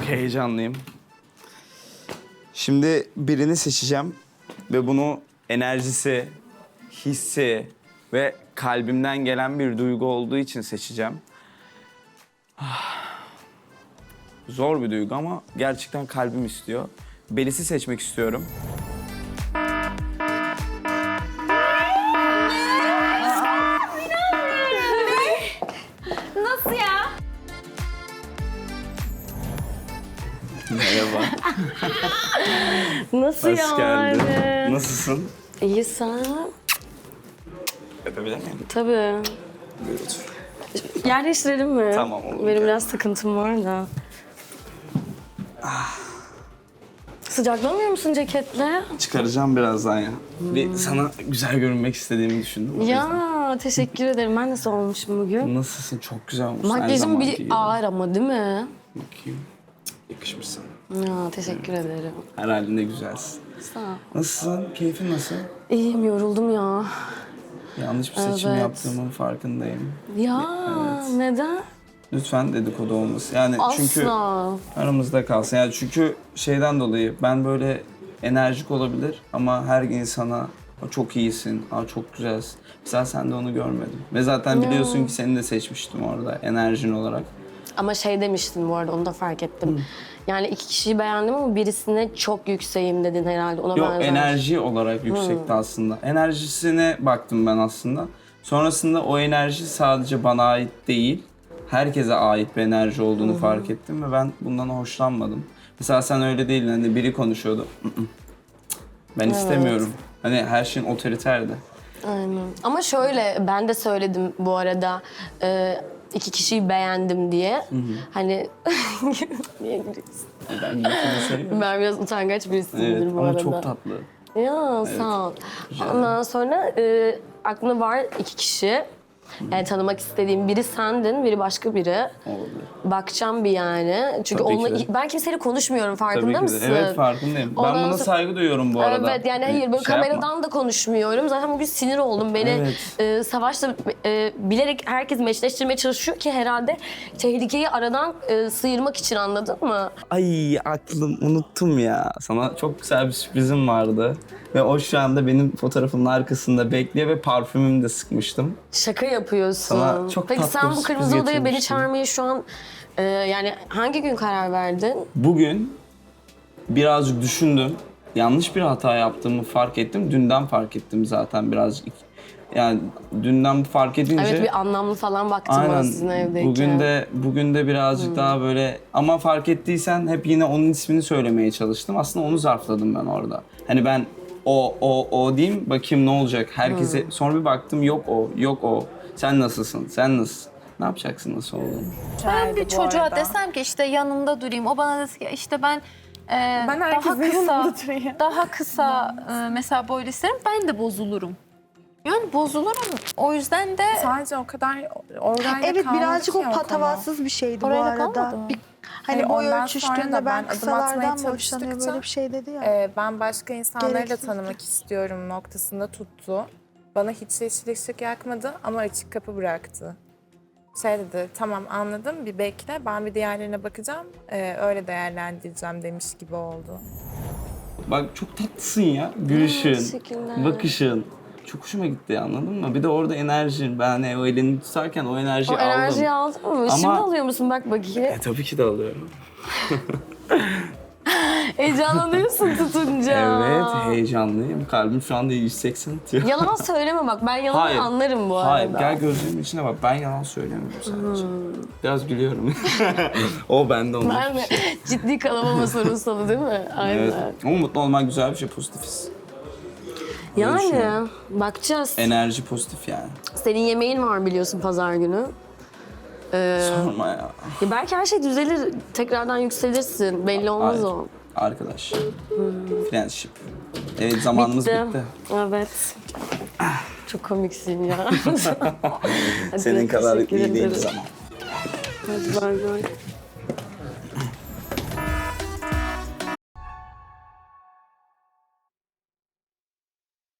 heyecanlıyım. Şimdi birini seçeceğim ve bunu enerjisi, hissi ve kalbimden gelen bir duygu olduğu için seçeceğim. Zor bir duygu ama gerçekten kalbim istiyor. Melis'i seçmek istiyorum. Nasıl ya? Merhaba. Nasıl Hoş yani? geldin. Nasılsın? İyi sen? Öpebilir miyim? Tabii. Buyur otur. Yer değiştirelim mi? Tamam, olur. Benim biraz sıkıntım var da. Sıcaklamıyor musun ceketle? Çıkaracağım birazdan ya. Bir sana güzel görünmek istediğimi düşündüm. o yüzden. Ya teşekkür ederim. Ben nasıl olmuşum bugün? Nasılsın? Çok güzel olmuşsun. her Makyajım zamanki bir gibi. ağır ama değil mi? Bakayım. Yakışmış sana. Ya teşekkür ederim. Her halinde güzelsin. Sağ ol. Nasılsın? Keyfin nasıl? İyiyim, yoruldum ya. Yanlış bir seçim Evet. yaptığımın farkındayım. Ya neden? Lütfen dedikodu olmasın. Yani çünkü Asla. aramızda kalsın. Yani çünkü şeyden dolayı ben böyle enerjik olabilir ama her insana çok iyisin, çok güzelsin. Mesela sen de onu görmedim. Ve zaten biliyorsun ki seni de seçmiştim orada enerjin olarak. Ama şey demiştin bu arada, onu da fark ettim. Yani iki kişiyi beğendim ama birisine çok yükseğim dedin herhalde. Ona Yok, benzer. enerji olarak yüksekti aslında. Enerjisine baktım ben aslında. Sonrasında o enerji sadece bana ait değil, herkese ait bir enerji olduğunu fark ettim ve ben bundan hoşlanmadım. Mesela sen öyle değildin, hani biri konuşuyordu. Ben istemiyorum. Hani her şeyin otoriterdi. Aynen. Ama şöyle, ben de söyledim bu arada iki kişiyi beğendim diye. Hani niye gülüyorsun? Ben gülüşünü seviyorum. Ben biraz utangaç birisiyimdir Evet bu ama arada. çok tatlı. Ya sağ ol. Ondan sonra aklımda var iki kişi. Yani tanımak istediğim biri sendin, biri başka biri. Olabilir. Bakacağım bir yani. Çünkü Tabii onunla, ki de. ben kimseyle konuşmuyorum, Tabii farkında ki de. mısın? Evet, farkındayım. Ondan Ben buna sonra- saygı duyuyorum bu arada. Evet yani hayır, böyle Şey yapma. kameradan da konuşmuyorum. Zaten bugün sinir oldum. Beni Savaş'la bilerek herkes meşleştirmeye çalışıyor ki herhalde tehlikeyi aradan sıyırmak için, anladın mı? Ay aklım, unuttum ya. Sana çok güzel bir sürprizim vardı. Ve o şu anda benim fotoğrafımın arkasında bekliyor ve parfümümü de sıkmıştım. Şaka yapıyorsun. Sana çok Peki tatlı sen bir bu sürpriz kırmızı odaya beni getirmiştim. çağırmaya şu an yani hangi gün karar verdin? Bugün birazcık düşündüm. Yanlış bir hata yaptığımı fark ettim. Dünden fark ettim zaten birazcık. Yani dünden fark edince... Evet, bir anlamlı falan baktım bana Aynen. sizin evdeyken. Bugün de birazcık daha böyle, ama fark ettiysen hep yine onun ismini söylemeye çalıştım. Aslında onu zarfladım ben orada. Hani ben o diyeyim, bakayım ne olacak. Herkese sonra bir baktım, yok o. Sen nasılsın? Sen nasılsın? Ne yapacaksın nasıl olduğunu? Ben bir bu çocuğa arada. desem ki işte yanında durayım. O bana dese ki işte ben Ben daha herkesin kısa, yanında durayım. daha kısa mesela boylu isterim. Ben de bozulurum. Yani bozulurum. O yüzden de Sadece o kadar orayla Evet, kalmadı birazcık ki o konu. patavatsız bir şeydi bu Orayla arada. kalmadı mı? Hani Hani boy ondan sonra ölçüştüğünde da ben ben adım kısalardan atmaya mı hoşlanıyor, çalıştıkça, böyle bir şey dedi ya. Ben başka insanları da Gereksizdi. tanımak istiyorum noktasında tuttu. Bana hiç yeşil ışık yakmadı ama açık kapı bıraktı. Şey dedi, tamam anladım, bir bekle, ben bir diğerlerine bakacağım, öyle değerlendireceğim demiş gibi oldu. Bak çok tatlısın ya. Gülüşün, teşekkürler. bakışın. Çok hoşuma gitti, anladın mı? Bir de orada enerjin. Ben hani o elini tutarken o enerjiyi O enerjiyi aldım. aldın mı? Ama- Şimdi alıyor musun? Bak bakayım. Tabii ki de alıyorum. Heyecanlanıyorsun tutunca. Evet, heyecanlıyım. Kalbim şu anda 180 atıyor. Yalan söyleme bak. Ben yalanı Hayır. anlarım bu arada. Hayır, gel gözlerimin içine bak. Ben yalan söylemiyorum sadece. Biraz gülüyorum. O bende olmuş. Ben de ciddi kalamama sorunsalı değil mi? Aynen. Evet. Ama mutlu olmak güzel bir şey, pozitifiz. Yani düşünüyorum. bakacağız. Enerji pozitif yani. Senin yemeğin var biliyorsun pazar günü. Sorma ya. Ya belki her şey düzelir, tekrardan yükselirsin. Belli olmaz Hayır. o. Arkadaş. Friendship. Evet, zamanımız bitti. Evet. Çok komiksin ya. Hadi, Senin kadar teşekkür iyi ederim. değiliz ama. Hadi bay bay.